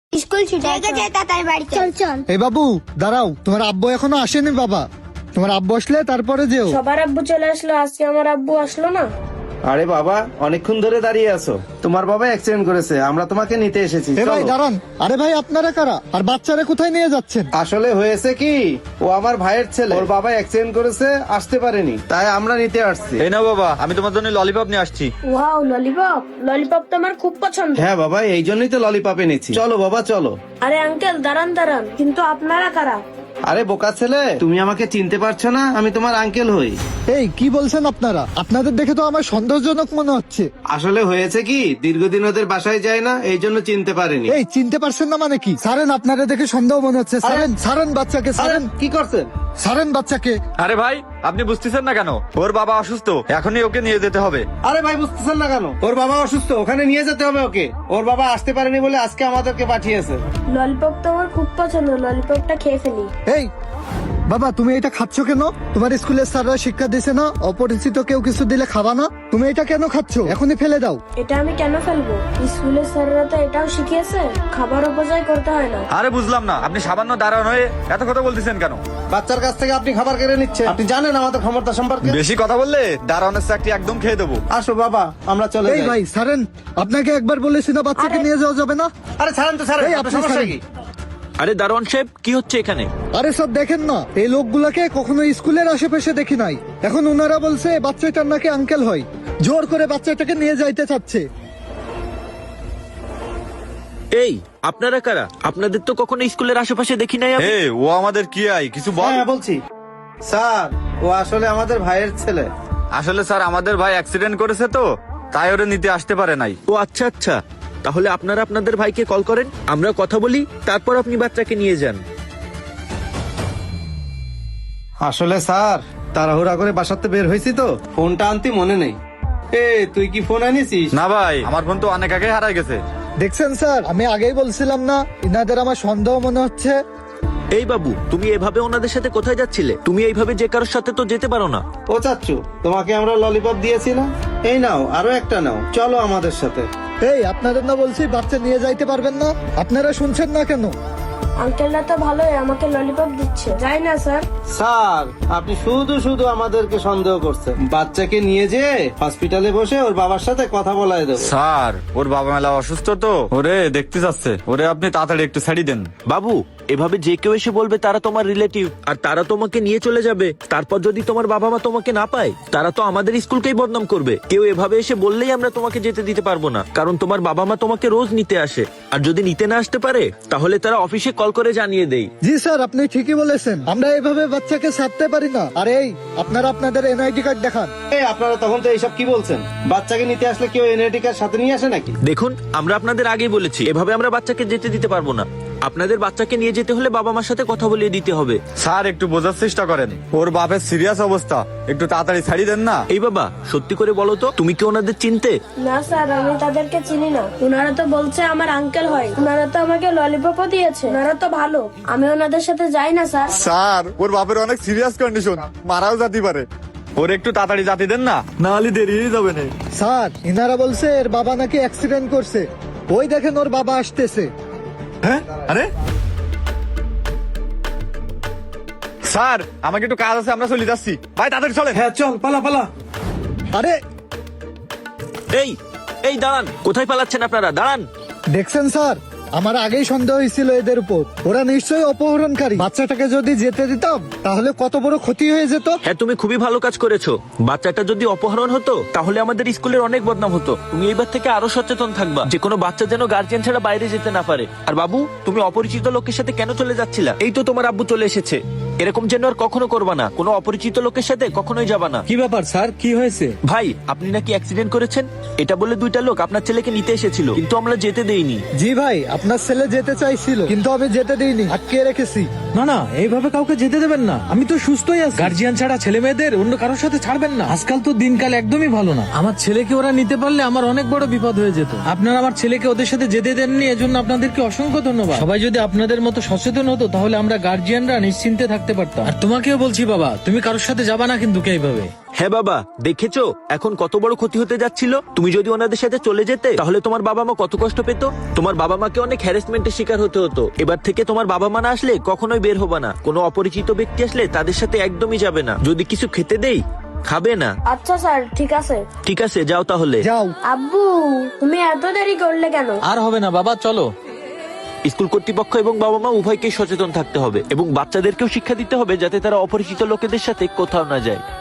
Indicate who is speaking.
Speaker 1: School ছুটি হয়ে গেছে, তাড়াতাড়ি বাড়ি চল। চল
Speaker 2: এই বাবু দাঁড়াও, তোমার আব্বু এখনো আসেনি বাবা। তোমার আব্বু আসলে তারপরে যেও।
Speaker 3: সবার আব্বু চলে আসলো, আজকে আমার আব্বু আসলো না।
Speaker 4: আরে বাবা, অনেকক্ষণ ধরে দাঁড়িয়ে আছো। তোমার বাবা অ্যাক্সিডেন্ট করেছে, আমরা তোমাকে নিতে এসেছি।
Speaker 2: এ ভাই
Speaker 4: চলো।
Speaker 2: দাঁড়ান। আরে ভাই আপনারা কারা, আর বাচ্চারা কোথায় নিয়ে যাচ্ছেন?
Speaker 4: আসলে হয়েছে কি, ও আমার ভাইয়ের ছেলে, ওর বাবা অ্যাক্সিডেন্ট করেছে, আসতে পারেনি, তাই আমরা নিতে আসছি।
Speaker 5: এই নাও বাবা, আমি তোমার জন্য ললিপপ নিয়ে আসছি।
Speaker 3: Wow, lollipop. ললিপপ তো আমার খুব পছন্দ।
Speaker 4: হ্যাঁ বাবা, এই জন্যই তো ললিপপ এনেছি। চলো বাবা চলো।
Speaker 3: আরে আঙ্কেল, দাঁড়ান দাঁড়ান, কিন্তু আপনারা কারা?
Speaker 4: আরে বোকা ছেলে, তুমি আমাকে চিনতে পারছো না? আমি তোমার আঙ্কেল হই।
Speaker 2: এই কি বলছেন আপনারা? আপনাদের দেখে তো আমার সন্দেহজনক মনে হচ্ছে।
Speaker 4: আসলে হয়েছে কি, দীর্ঘদিন ওদের বাসায় যায় না, এই জন্য চিনতে পারেনি।
Speaker 2: এই চিনতে পারছেন না মানে কি? ছাড়েন, আপনারা দেখে সন্দেহ মনে হচ্ছে। ছাড়েন, ছাড়েন বাচ্চাকে,
Speaker 4: আরে
Speaker 2: ছাড়েন,
Speaker 4: কি করছেন?
Speaker 2: ছাড়েন বাচ্চাকে।
Speaker 5: আরে ভাই, আপনি বুঝতেছেন না কেন? ওর বাবা অসুস্থ, এখনই ওকে নিয়ে যেতে হবে।
Speaker 4: আরে ভাই, বুঝতেছেন না কেন? ওর বাবা অসুস্থ, ওখানে নিয়ে যেতে হবে ওকে। ওর বাবা আসতে পারেনি বলে আজকে আমাদেরকে পাঠিয়েছে।
Speaker 3: ললিপপ তো আমার খুব পছন্দ, ললিপপটা খেয়ে ফেলি।
Speaker 2: এই বাবা, তুমি এটা খাচ্ছ কেন? তোমার স্কুলের স্যাররা শিক্ষা দিছে না অপরিচিত কেউ কিছু দিলে খাবা না? তুমি এটা কেন খাচ্ছ? এখনই ফেলে দাও।
Speaker 3: এটা আমি কেন ফেলবো? স্কুলের স্যাররা তো এটাও শিখিয়েছে, খাবার অপচয় করতে হয় না।
Speaker 5: আরে বুঝলাম না, আপনি সামান্য দাঁড়ান হয়ে এত কথা বলতেছেন কেন?
Speaker 4: বাচ্চার কাছ থেকে আপনি খাবার কেড়ে নিচ্ছেন। আপনি জানেন আমাদের ক্ষমতা সম্পর্কে?
Speaker 5: বেশি কথা বললে দাঁড়ানোর চাকরি একদম খেয়ে দেবো।
Speaker 4: আসো বাবা, আমরা চলে
Speaker 2: এই
Speaker 4: যাই।
Speaker 2: ভাই ছাড়েন, আপনাকে একবার বলেছি না বাচ্চাকে নিয়ে যাওয়া যাবে না?
Speaker 4: আরে ছাড়েন তো, ছাড়েন।
Speaker 2: এই,
Speaker 4: আপনার
Speaker 2: আপনি
Speaker 4: সমস্যা
Speaker 2: ছাড়েন।
Speaker 4: কি?
Speaker 6: আরে দারোয়ান সাহেব, কি হচ্ছে এখানে?
Speaker 2: আরে সব দেখেন না, এই লোকগুলাকে কখনো স্কুলের আশেপাশে দেখি নাই। এখন ওনারা বলছে বাচ্চাটার নাকি আঙ্কেল হয়, জোর করে বাচ্চাটাকে নিয়ে যাইতে চাচ্ছে।
Speaker 6: এই আপনারা কারা? আপনাদের তো কখনো স্কুলের আশেপাশে দেখি নাই আমি।
Speaker 5: হে, ও আমাদের কি আই কিছু বল।
Speaker 4: হ্যাঁ বলছি স্যার, ও আসলে আমাদের ভাইয়ের ছেলে।
Speaker 5: আসলে স্যার, আমাদের ভাই অ্যাক্সিডেন্ট করেছে তো, তাই ওরে নিতে আসতে পারে নাই।
Speaker 6: ও আচ্ছা আচ্ছা, তাহলে আপনারা আপনাদের ভাইকে কল করেন, আমরা কথা বলি, তারপর আপনি বাচ্চাকে নিয়ে যান।
Speaker 4: আসলে স্যার, তাড়াহুড়া করে বাসাতে বের হয়েছি তো, ফোনটা আনতে মনে নেই। এ তুই কি ফোন আনিছিস?
Speaker 5: না ভাই, আমার ফোন তো অনেক আগে হারাই গেছে।
Speaker 2: দেখছেন স্যার, আমি আগেই বলছিলাম না ইনাদের আমার সন্দেহ মনে হচ্ছে।
Speaker 6: এই বাবু, তুমি এভাবে ওনাদের সাথে কোথায় যাচ্ছিলে? তুমি এইভাবে যে কারোর সাথে তো যেতে পারো না।
Speaker 4: ও চাচ্ছু, তোমাকে আমরা ললিপপ দিয়েছি না? এই নাও, আরো একটা নাও, চলো আমাদের সাথে।
Speaker 2: এই আপনাদের না বলছি বাচ্চা নিয়ে যাইতে পারবেন না? আপনারা শুনছেন না কেন?
Speaker 3: আঙ্কেলরা তো ভালোই, আমাকে ললিপপ দিচ্ছে। যাই না স্যার?
Speaker 4: স্যার, আপনি শুধু শুধু আমাদেরকে সন্দেহ করছেন। বাচ্চাকে নিয়ে যে হসপিটালে বসে ওর বাবার সাথে কথা বলায় দেবো।
Speaker 5: স্যার, ওর বাবা মেলা অসুস্থ তো, ওরে দেখতে যাচ্ছে। ওরে আপনি তাড়াতাড়ি একটু ছাড়ি দেন।
Speaker 6: বাবু, এভাবে যে কেউ এসে বলবে তারা তোমার রিলেটিভ, আর তারা তোমাকে নিয়ে চলে যাবে। তারপর যদি তোমার বাবা মা তোমাকে না পায়, তারা তো আমাদের স্কুলকেই বদনাম করবে। কেউ এভাবে এসে বললেই আমরা তোমাকে যেতে দিতে পারবো না, কারণ তোমার বাবা মা তোমাকে রোজ নিতে আসে। আর যদি নিতে না আসতে পারে, তাহলে তারা অফিসে কল করে জানিয়ে দেয়।
Speaker 2: জি স্যার, আপনি ঠিকই বলেছেন, আমরা এভাবে বাচ্চাকে ছাড়তে পারি না। আরে এই আপনারা আপনাদের এনআইডি কার্ড দেখান।
Speaker 4: এই আপনারা তখন তো এইসব কি বলছেন? বাচ্চাকে নিতে আসলে কেউ এনআইডি কার্ড সাথে নিয়ে আসে নাকি?
Speaker 6: দেখুন, আমরা আপনাদের আগেই বলেছি, এভাবে আমরা বাচ্চাকে যেতে দিতে পারবো না। আপনাদের বাচ্চাকে নিয়ে যেতে হলে বাবা মার সাথে কথা বলিয়ে দিতে হবে।
Speaker 5: স্যার, একটু বোঝার চেষ্টা করেন, ওর বাপের সিরিয়াস অবস্থা, একটু তাড়াতাড়ি ছাড়ি দেন না।
Speaker 6: এই বাবা, সত্যি করে বলো তো, তুমি কি ওনাদের চিনতে?
Speaker 3: না স্যার, আমি তাদেরকে চিনি না। ওনারা তো বলছে আমার আঙ্কেল হয়, ওনারা তো আমাকে ললিপপও দিয়েছে, ওনারা তো ভালো। আমি ওনাদের সাথে যাই না স্যার।
Speaker 5: স্যার, ওর বাপের অনেক সিরিয়াস কন্ডিশন, মারাও যেতে পারে। ওর একটু তাড়াতাড়ি জাতি দেন না, না হলে দেরি হয়ে যাবে না।
Speaker 2: স্যার, ইনারা বলছে এর বাবা নাকি অ্যাক্সিডেন্ট করছে। ওই দেখেন ওর বাবা আসতেছে।
Speaker 5: হ্যাঁ, আরে স্যার, আমাকে একটু কাজ আছে, আমরা চলে যাচ্ছি। ভাই তাড়াতাড়ি চলেন।
Speaker 4: হ্যাঁ চল, পালা পালা।
Speaker 2: আরে
Speaker 6: এই এই দাঁড়ান, কোথায় পালাচ্ছেন আপনারা? দাঁড়ান।
Speaker 2: দেখছেন স্যার, আমার আগেই সন্দেহ হয়েছিল এদের উপর। ওরা নিশ্চয়ই অপহরণকারী। বাচ্চাটাকে যদি যেতে দিতাম তাহলে কত বড় ক্ষতি হয়ে যেত।
Speaker 6: হ্যাঁ, তুমি খুবই ভালো কাজ করেছো। বাচ্চাটা যদি অপহরণ হতো, তাহলে আমাদের স্কুলের অনেক বদনাম হতো। তুমি এবার থেকে আরো সচেতন থাকবা, যে কোনো বাচ্চা যেন গার্জিয়ান ছাড়া বাইরে যেতে না পারে। আর বাবু, তুমি অপরিচিত লোকের সাথে কেন চলে যাচ্ছিলা? এই তো তোমার আব্বু চলে এসেছে। এরকম যেন আর কখনো করবা না, কোনো অপরিচিত লোকের সাথে কখনোই যাবা না।
Speaker 7: কি ব্যাপার স্যার, কি হয়েছে?
Speaker 6: ভাই, আপনি নাকি অ্যাক্সিডেন্ট করেছেন, এটা বলে দুইটা লোক আপনার ছেলেকে নিতে এসেছিল, কিন্তু আমরা যেতে দেইনি।
Speaker 2: জি ভাই, আপনার ছেলে যেতে চাইছিল, কিন্তু আমি যেতে দিইনি, আটকে রেখেছি।
Speaker 7: না না, এইভাবে কাউকে যেতে দেবেন না। আমি তো সুস্থই আছি। গার্জিয়ান ছাড়া ছেলে মেয়েদের অন্য কারোর সাথে ছাড়বেন না। আজকাল তো দিনকাল একদমই ভালো না। আমার ছেলেকে ওরা নিতে পারলে আমার অনেক বড় বিপদ হয়ে যেত। আপনারা আমার ছেলেকে ওদের সাথে যেতে দেননি, এজন্য আপনাদেরকে অসংখ্য ধন্যবাদ। সবাই যদি আপনাদের মতো সচেতন হতো, তাহলে আমরা গার্জিয়ানরা নিশ্চিন্তে থাকতে পারতাম। আর তোমাকেও বলছি বাবা, তুমি কারোর সাথে যাবা না কিন্তু এইভাবে।
Speaker 6: হ্যাঁ বাবা, দেখেছো এখন কত বড় ক্ষতি হতে যাচ্ছিল। তুমি যদি ওনাদের সাথে চলে যেতে তাহলে তোমার বাবা মা কত কষ্ট পেত। তোমার বাবা মাকে অনেক হ্যারাসমেন্টের শিকার হতে হতো। এবার থেকে তোমার বাবা মা না আসলে কখনোই বের হবে না। কোনো অপরিচিত ব্যক্তি আসলে তাদের সাথে একদমই যাবে না। যদি কিছু খেতে দেই খাবে না।
Speaker 3: আচ্ছা স্যার, ঠিক আছে।
Speaker 6: ঠিক আছে, যাও তাহলে।
Speaker 2: যাও।
Speaker 3: আব্বু, তুমি এত দেরি করলে কেন?
Speaker 7: আর হবে না বাবা, চলো।
Speaker 6: স্কুল কর্তৃপক্ষ এবং বাবা মা উভয়কেই সচেতন থাকতে হবে এবং বাচ্চাদেরকেও শিক্ষা দিতে হবে যাতে তারা অপরিচিত লোকেদের সাথে কোথাও না যায়।